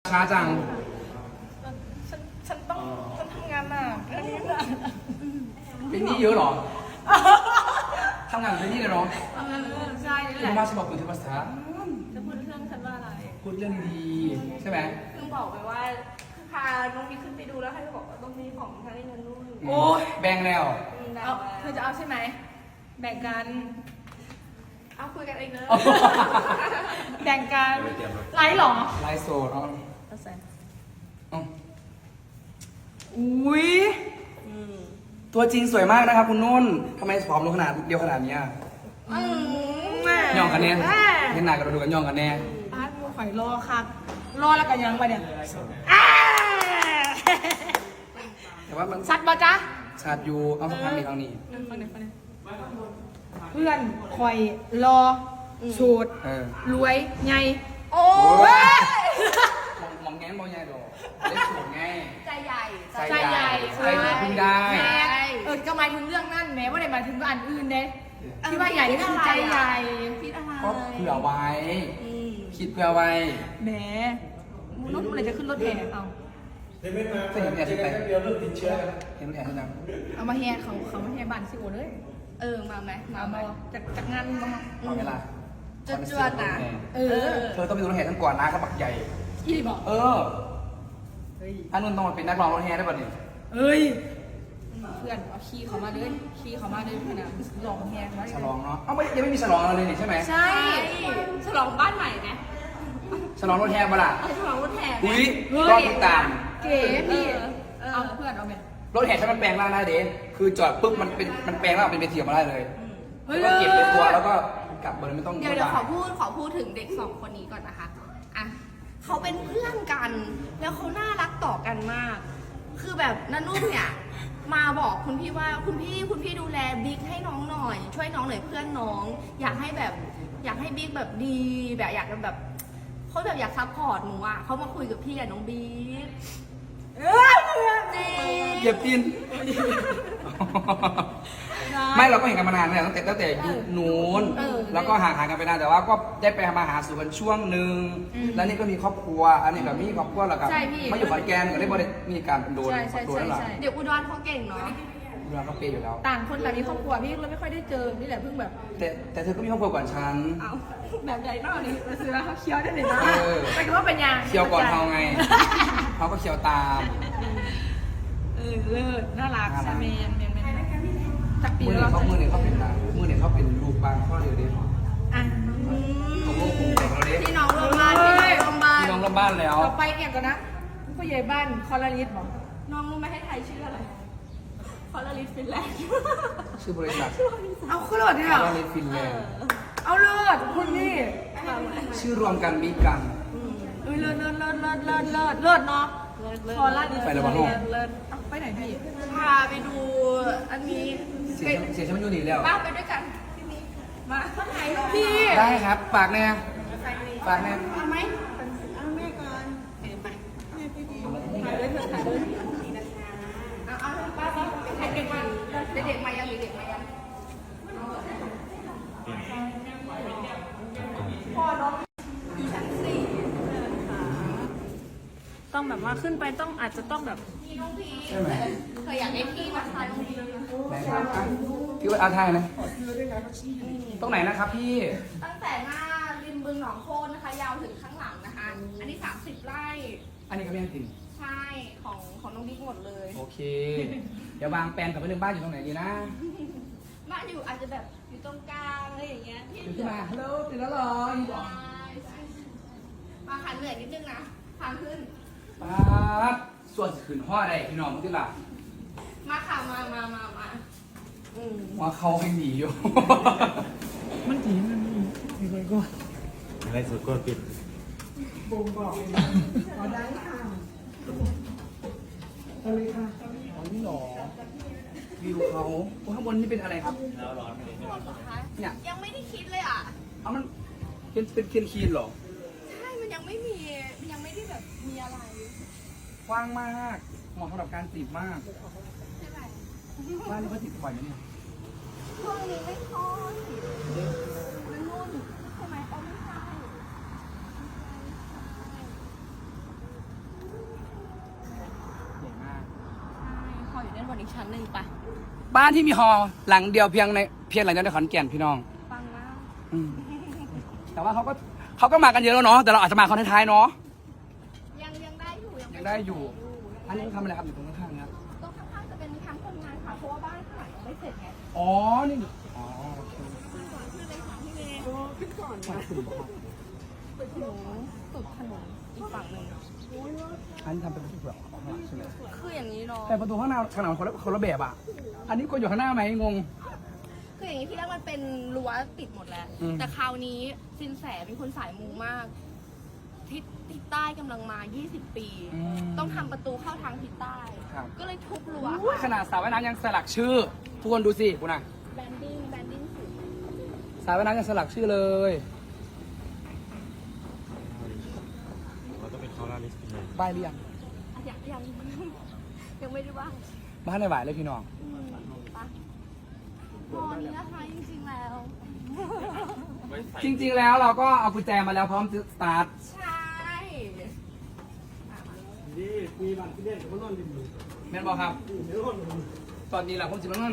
ช้าจังฉันต้องทำงานหนักเรื่องนี้หนักเป็นหนี้เยอะเหรอทำงานเป็นหนี้เลยเหรอใช่นี่แหคุณละมาฉบับคุณที่ภาษาจะพูดเรื่องฉันว่าอะไรพูดเรื่องดีใช่ไหมเพิ่งบอกไปว่าพาน้องมีขึ้นไปดูแล้วให้บอกว่าต้องมีของทางนี้เงินนู่นโอ้ยแบ่งแล้วเอาเธอจะเอาใช่ไหมแบ่งกันเอาคุยกันเองเนอะแบ่งกันไลฟ์หรอไลฟ์โซดเอาเอาใส่เอาอุ้ยตัวจริงสวยมากนะครับคุณนุ่นทำไมผอมลงขนาดเดียวขนาดเนี้ยย่องกันแน่เห็นหน้ากันดูกันย่องกันแน่อาร์ตมูข่อยรอครับรอแล้วกันยังไปเนี่ยแต่ว่ามันสัตว์บ่จ๊ะชาดอยู่เอาสักพักนี้ทางนี้ฟังหน่อยเพื่อนข่อยรอสูตร รวยไงโอ้โอ้ยยมองแง้มมองใหญ่ดอกได้สวยไงใจใหญ่ใจใหญ่ใจใหญ่พึ่งได้แม่ก็หมายถึงเรื่องนั่นแม้ว่าได้หมายถึงอันอื่นเด้ที่ว่าใหญ่นี่คือใจใหญ่คิดอะไรก็เผื่อไว้อืมคิดเผื่อไว้แหมมูนุ่นอะไรจะขึ้นรถแห่เอาเคยเห็นแผลที่ไหนเห็นแผลที่ไหนเอามาแห่เขามาแห่บ้านสิโอเลยมาไหมมาเอาไหมมาจากงานมาเอาเวลาจวดๆนะเออเธอต้องเป็นรถแห่ทั้งก่อนนะกระบักใหญ่อีบอกเอออันนู้นต้องมาเป็นนักร้องรถแห่ได้ป่ะเนี่ยเอ้ยเพื่อนเอาขี้เขามาเลยขี้เขามาเลยขนาดลองแห่ไว้ฉลองเนาะเอ้าไม่ยังไม่มีฉลองอะไรเลยนี่ใช่ไหมใช่ฉลองบ้านใหม่ไหมฉลองรถแห่ปะล่ะฉลองรถแห่ไหมอุ้ยรอบติดตามเก๋พี่เออเอาเพื่อนเอาไหมรถแห่ใช้มันแปลงร่างได้เด้คือจอดปุ๊บมันแปลงร่างเป็นเวทีออกมาได้เลยเฮ้ยแล้วก็เก็บเป็นตัวแล้วก็กลับเบอร์ไม่ต้องเดี๋ยวขอพูดถึงเด็กสองคนนี้ก่อนนะคะอ่ะเขาเป็นเพื่อนกัน แล้วเขาน่ารักต่อกันมาก คือแบบนันนุ่นเนี่ย มาบอกคุณพี่ว่าคุณพี่ดูแลบิ๊กให้น้องหน่อย ช่วยน้องหน่อยเพื่อนน้อง อยากให้บิ๊กแบบดีแบบอยากแบบเขาแบบอยากซัพพอร์ตหนูอ่ะเขามาคุยกับพี่กับน้องบิ๊กจริงเหยียบตีน ไม่เราก็เห็นกันมานานแล้วตั้งแต่ยุคนู้นแล้วก็ห่างกันไปนานแต่ว่าก็ได้ไปมาหาสู่กันช่วงหนึ่งแล้วนี่ก็มีครอบครัวอันนี้แบบมีครอบครัวแล้วกับมาอยู่ขอนแก่นก็ได้บริมีการโดนโดนแล้วหรอเดี๋ยวอุดรเขาเก่งเนาะเราก็เปย์อยู่แล้วต่างคนต่างมีครอบครัวพี่เลยไม่ค่อยได้เจอนี่แหละเพิ่งแบบแต่เธอก็มีครอบครัวก่อนฉันเอาแบบใหญ่นอกนี่มาซื้อแล้วเขาเคี้ยวได้เลยนะเออไปดูว่าเป็นยังเคี่ยวก่อนเขาไงเขาก็เคี่ยวตามเลิศน่ารักใช่เมนจากปีมือแล้วเนี่ยเขาเป็นอะไรมือเนี่ยเขาเป็นลูกบางข้อเดียวเดียวอ่ะของโลกคงแต่งเราเด็กพี่น้องร่วมบ้านพี่น้องร่วมบ้านพี่น้องร่วมบ้านแล้วต่อไปเนี่ยก่อนนะผู้ใหญ่บ้านคอลลาริสบอกน้องรู้ไหมให้ไทยชื่ออะไรคอลลาริสฟินแลนด์ชื่อบริษัทเอาขึ้นรถเนี่ยคาร์ลฟินแลนด์เอาเลิศคุณนี่ชื่อรวมกันบิ๊กกันเลิศเนาะคอลลาริสไปแล้วบ้างลูกเลิศไปไหนพี่พาไปดูอันนี้เสียฉันมันอยู่นี่แล้วป้าไปด้วยกันพี่นี้มาข้างในพี่ได้ครับฝากแน่ฝากแน่เอาไหม เอาป้าเด็กมาเด็กมายังเด็กมายังพ่อน้องอยู่ชั้นสี่ต้องแบบว่าขึ้นไปต้องอาจจะต้องแบบพี่น้องพีใช่ไหมเคยอยากได้พี่นะคะน้องพีไหนครับอ่ะพี่ว่าอาไทยนะตรงไหนนะครับพี่ตั้งแต่หน้าริมบึงหนองโคนนะคะ ยาวถึงข้างหลังนะคะ อันนี้30 ไร่อันนี้ก็ไม่ยังติ่งใช่ของน้องบิ๊กหมดเลยโอเค เดี๋ยววางแปลนกับไปเรื่องบ้านอยู่ตรงไหนดีนะบ้านอยู่อาจจะแบบอยู่ตรงกลางอะไรอย่างเงี้ยที่ขึ้นมาฮัลโหลตื่นแล้วเหรอมาขันเหนื่อยนิดนึงนะทางขึ้นป๊าบส่วนขืนห่อได้พี่น้องมึงที่หลับมาค่ะมาว่าเขาให้หนีอยู่มันจีมันมีอะไรก็อะไรสุดก็ปิดบ่งบอกขอได้ค่ะเอาเลยค่ะอ๋อนี่หรอวิวเขาโอ้ข้างบนนี่เป็นอะไรครับ เนี่ยยังไม่ได้คิดเลยอ่ะเอามันเป็นเคียนคีนเหรอใช่มันยังไม่มีมันยังไม่ได้แบบมีอะไรกว้างมากเหมาะสำหรับการจีบมากใช่ไหมบ้านนี้เขาจีบบ่อยไหมเนี่ยช่วงนี้ไม่ค่อยมันนุ่นใช่ไหมอ๋อไม่ใช่บนอีกชั้นหนึ่งปะบ้านที่มีฮอหลังเดียวเพียงหลังเดียวในขอนแก่นพี่น้องฟังมากอืมแต่ว่าเขาก็มากันเยอะแล้วเนาะแต่เราอาจจะมาคนท้ายๆเนาะยังได้อยู่ยังได้อยู่ อันนี้ทำอะไรครับอยู่ตรงข้างๆเนี่ยตรงข้างๆจะเป็นแคมป์คนงานค่ะเพราะว่าบ้านข้างหลังยังไม่เสร็จไงอ๋อนี่อ๋อโอเคคือเลยค่ะพี่เมย์ขึ้นก่อนขอบคุณครับสุดถนนอีกฝั่งหนึ่งอันนี้ทำเป็นประตูแบบใช่ไหมคืออย่างนี้เนาะแต่ประตูข้างหน้าขนาดคนละแบบอ่ะอันนี้ก็อยู่ข้างหน้าไหมงงคืออย่างนี้ที่แรกมันเป็นรั้วติดหมดแล้วอืมแต่คราวนี้สินแสเป็นคนสายมูมากทิศใต้กำลังมา 20 ปี ต้องทำประตูเข้าทางทิศใต้ครับก็เลยทุบรั้วอุ้ยขนาดสระว่ายน้ำยังสลักชื่อทุกคนดูสิคุณน่ะแบนดิ้งสูงสระว่ายน้ำยังสลักชื่อเลยเราต้องเป็นคอลาลิสต์เลยป้ายเรียงยังไม่ได้ว่าบ้านในหวายเลยพี่น้องปะพอนี้นะคะจริงๆแล้วจริงๆแล้วเราก็เอากุญแจมาแล้วพร้อมจะสตาร์ทใช่นี่มีบ้านที่เล่นกับมันนอนดินอยู่แม่นบอกครับเดี๋ยวก่อนตอนนี้แหละผมจิมันนั่น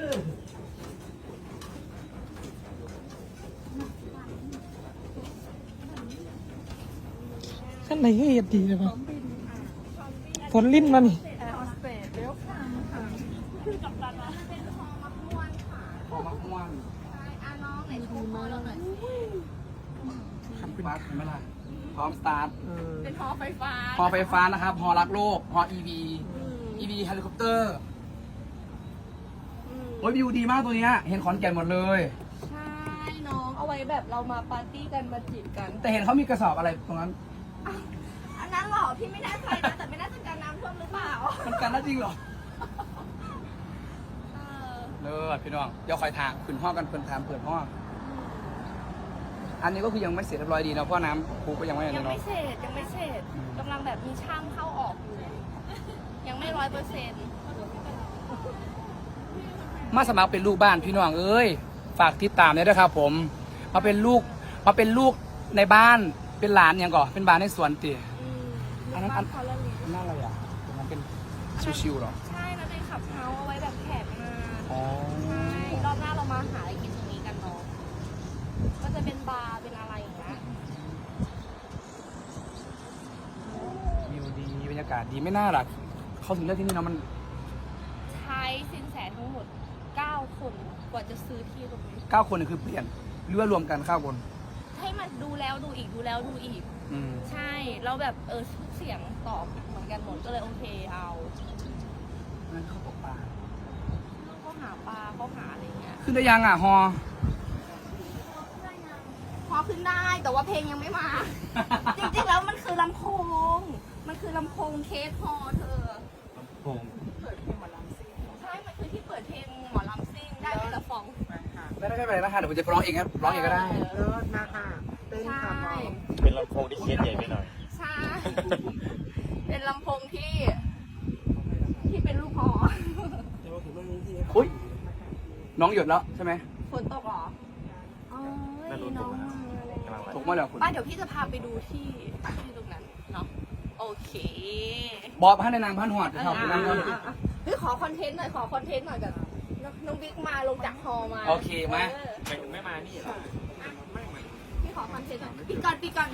ขั้นไหนก็เหตุดีเลยปะฝนลิ้นมานี่แอร์ฮอสเตสเวลคัมค่ะคือกับตานะเป็นฮอมักม่วนค่ะพอมาม่วนใช่น้องไหนโชว์ฮอเราหน่อยบัสเห็นไหมล่ะพร้อมสตาร์ทเป็นฮอไฟฟ้าฮอไฟฟ้านะครับฮอรักโลกฮอ EV EV เฮลิคอปเตอร์ โอ้ยวิวดีมากตัวเนี้ยเห็นขอนแก่นหมดเลยใช่น้องเอาไว้แบบเรามาปาร์ตี้กันมาจีบกันแต่เห็นเขามีกระสอบอะไรตรงนั้นอันนั้นหรอพี่ไม่แน่ใจนะแต่ไม่น่าจะการน้ำท่วมหรือเปล่ามันกันได้จริงเหรอเออเลิศพี่น้องเดี๋ยวคอยถามขึ้นห้องกันเปิดถามเปิดห้องอันนี้ก็คือยังไม่เสร็จเรียบร้อยดีนะเพราะน้ำปูก็ยังไม่อะไรยังเนาะไม่เสร็จยังไม่เสร็จกำลังแบบมีช่างเข้าออกอยู่ยังไม่100% มาสมัครเป็นลูกบ้านพี่น้องเอ้ยฝากติดตามด้วยนะครับผมมาเป็นลูกในบ้านเป็นหลานอย่างก่อนเป็นบ้านในสวนตี อันนั้นบ้านเขาละลิน่าอะไรอ่ะตรงนั้นเป็นชิวๆหรอใช่แล้วเป็นขับเฮาส์เอาไว้แบบแขกมาอ๋อใช่รอบหน้าเรามาหาอะไรกินตรงนี้กันเนาะก็จะเป็นบาร์เป็นอะไรอย่างเงี้ยวิวดีบรรยากาศดีไม่น่าหรอกเขาถึงเลือกที่นี่เนาะมันใช้สินแสทั้งหมด 9 คนกว่าจะซื้อที่ตรงนี้ 9 คนนี่คือเปลี่ยนหรือว่ารวมกัน9 คนให้มันดูแล้วดูอีกดูแล้วดูอีกอืมใช่เราแบบทุกเสียงตอบเหมือนกันหมดก็เลยโอเคเอานั่นเขาตกปลาเขาหาปลาเขาหาอะไรเงี้ยขึ้นได้ยังอ่ะฮอพอขึ้นได้แต่ว่าเพลงยังไม่มา จริงๆแล้วมันคือลำโพง มันคือลำโพงเคสฮอเธอโผมใช่ มันคือที่เปิดเพลงหมอลำซิ่งได้เป็นละฟองไม่ได้ไม่เป็นไรนะคะเดี๋ยวผมจะร้องเองครับร้องเองก็ได้เลิศมาค่ะเต้นใช่ค่ะเป็นลำโพงที่เคสใหญ่ไปหน่อยใช่ เป็นลำโพงที่เป็นลูกหออุ้ยน้องหยดแล้วใช่ไหมฝนตกเหรออ๋อไม่รู้น้องกำลังตกมาแล้วคุณป้าเดี๋ยวพี่จะพาไปดูที่ตรงนั้นเนาะ โอเคบอกพันในนางพันหอดครับคุณนั่งก่อนเฮ้ยขอคอนเทนต์หน่อยแบบน้องบิ๊กมาลงจากฮอมาโอเคมาไม่มานี่หรอพี่ขอคอนเทนต์หน่อยปิดก่อนนะปิดก่อน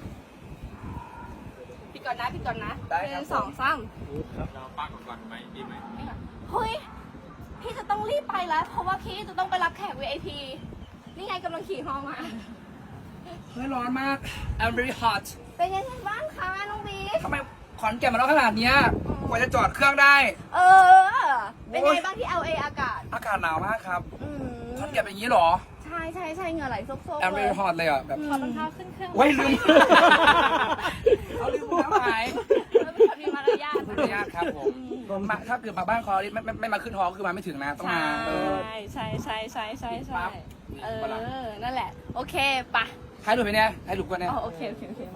นะหนึ่งสองสามเราป้าก่อนไหมดีไหมเฮ้ย พี่จะต้องรีบไปแล้ว เพราะว่าพี่จะต้องไปรับแขก VIP นี่ไงกำลังขี่ฮอมาเฮ้ยร้อนมาก I'm very hot เป็นยังไงบ้างคะน้องบิ๊กทำไมขอนแก่นมาร้อนขนาดเนี้ยกว่าจะจอดเครื่องได้เป็นไงบ้างที่ LA อากาศอากาศหนาวมากครับอืมขอนแก่นเป็นอย่างนี้เหรอใช่เหงื่อไหลซบๆ I'm เลย very hot เลยอ่ะแบบถอดรองเท้าขึ้นเครื่องโอ้ยลืม เอาลืมน้ำหายแล้วเป็นคนมีมารยาทขออนุญาตครับผมมาถ้าเกิดมาบ้านคอรีไม่มาขึ้นฮอคือมาไม่ถึงนะต้องมาใช่ปั๊บนั่นแหละ โอเคปะถ่ายรูปไปเนี่ยถ่ายรูปกันเนี่ยโอเค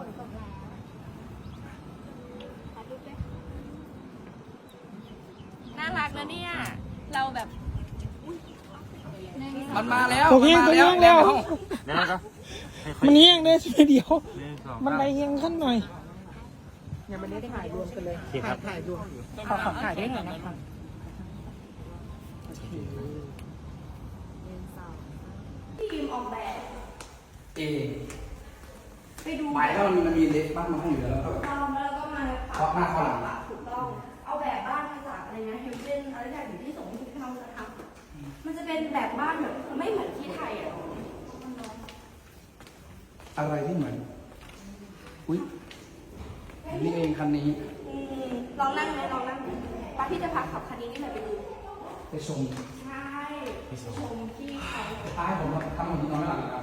น่ารักนะเนี่ย เราแบบมันมาแล้วตัวเฮียงตัวเฮียงแล้วนั่นก็มันเฮียงได้สิเดียวหนึ่งสองมันสามไรเฮียงขั้นหน่อยโอเคครับขอถ่ายด้วยหน่อยนะคะทีมออกแบบเอไปดูหมายถ้ามันมีเล็กบ้านมาให้อยู่แล้วก็ต้องแล้วก็มาเคาะหน้าเคาะหลังถูกต้องเอาแบบบ้านมาจากอะไรนะเฮลเจนอะไรแบบอยู่ที่ส่งที่เขาจะทำมันจะเป็นแบบบ้านแบบไม่เหมือนที่ไทยอ่ะอะไรที่เหมือนอุ้ยนี่เองคันนี้ลองนั่งไหมลองนั่งป้าพี่จะพาขับคันนี้นี่แหละไปดูไปชมใช่ชมที่เขาท้ายผมทำของนอนไม่หลับครับ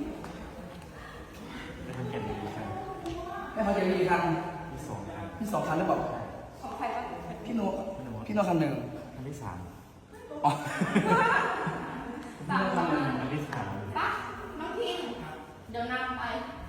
ไม่ต้องเก็บดีครับไม่พอจะมีคันที่สองครับพี่2 คันหรือเปล่าของใครบ้างพี่โนคันหนึ่งอันที่สามอ๋อพี่โนคันหนึ่งอันที่สามป้าน้องพิมเดี๋ยวนำไป